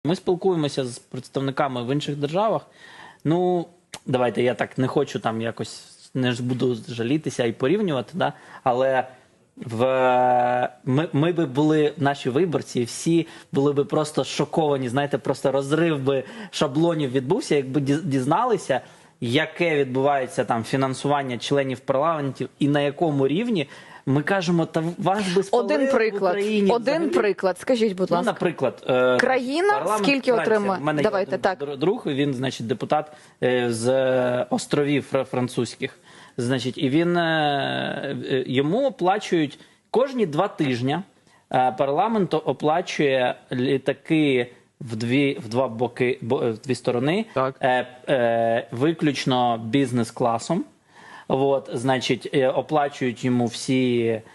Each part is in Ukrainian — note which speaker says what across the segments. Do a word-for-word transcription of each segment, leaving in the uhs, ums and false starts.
Speaker 1: Ми спілкуємося з представниками в інших державах. Ну, давайте, я так не хочу там якось, не ж буду жалітися і порівнювати, да? Але в... ми, ми би були, наші виборці, всі були би просто шоковані, знаєте, просто розрив би шаблонів відбувся, якби дізналися, яке відбувається там фінансування членів парламентів і на якому рівні. Ми кажемо, та вас би спалили
Speaker 2: Один приклад,
Speaker 1: в Україні.
Speaker 2: один
Speaker 1: взагалі.
Speaker 2: приклад, скажіть, будь ласка.
Speaker 1: Ну, наприклад, е,
Speaker 2: країна скільки отримує?
Speaker 1: У мене
Speaker 2: Давайте,
Speaker 1: є
Speaker 2: так.
Speaker 1: друг, він, значить, депутат е, з островів французьких. Значить, і він, е, е, йому оплачують кожні два тижні, е, парламент оплачує літаки в дві, в два боки, бо, в дві сторони, е, е, виключно бізнес-класом. От, значить, оплачують йому всі,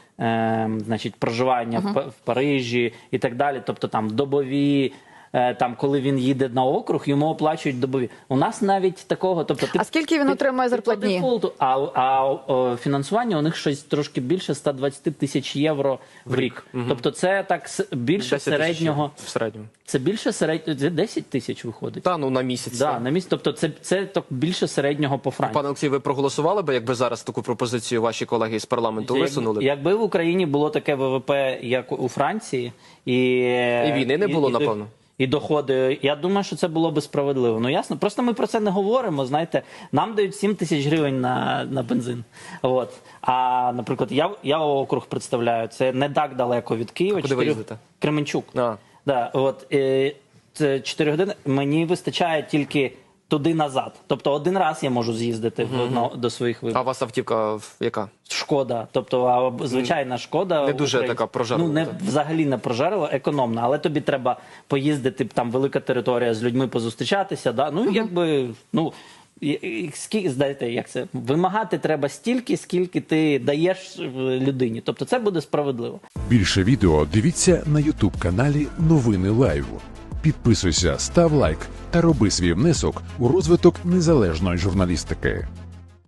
Speaker 1: е, значить, проживання uh-huh. в, в Парижі і так далі. Тобто там добові, е, там, коли він їде на округ, йому оплачують добові. У нас навіть такого... Тобто,
Speaker 2: а скільки він отримує зарплатні?
Speaker 1: А, а о, фінансування у них щось трошки більше ста двадцяти тисяч євро в рік. Uh-huh. Тобто це так більше середнього...
Speaker 3: В середньому.
Speaker 1: Це більше середнього... Це десять тисяч виходить.
Speaker 3: Та, ну на місяць.
Speaker 1: Да, на місяць. Тобто це, це так, більше середнього по Франції.
Speaker 3: Пане Олексій, ви проголосували би, якби зараз таку пропозицію ваші колеги з парламенту
Speaker 1: Як,
Speaker 3: висунули?
Speaker 1: Якби в Україні було таке ВВП, як у Франції, і...
Speaker 3: І війни не було,
Speaker 1: і,
Speaker 3: напевно.
Speaker 1: І доходи, я думаю, що це було би справедливо. Ну, ясно, просто ми про це не говоримо, знаєте. Нам дають сім тисяч гривень на, на бензин. От. А, наприклад, я, я округ представляю, це не так далеко від Києва.
Speaker 3: А куди ви їздите?
Speaker 1: Кременчук.
Speaker 3: А.
Speaker 1: Да, от, і, це чотири години, мені вистачає тільки туди-назад. Тобто один раз я можу з'їздити uh-huh. до, до своїх виборів.
Speaker 3: А у вас автівка яка?
Speaker 1: Шкода. Тобто, а, звичайна Шкода.
Speaker 3: Не дуже
Speaker 1: Українська.
Speaker 3: така прожарлива.
Speaker 1: Ну, не, взагалі не прожарлива, економна. Але тобі треба поїздити, там велика територія, з людьми позустрічатися. Да? Ну, uh-huh. якби, ну, скільки, знаєте, як це, вимагати треба стільки, скільки ти даєш людині. Тобто це буде справедливо.
Speaker 4: Більше відео дивіться на ютуб-каналі Новини Лайв. Підписуйся, став лайк та роби свій внесок у розвиток незалежної журналістики.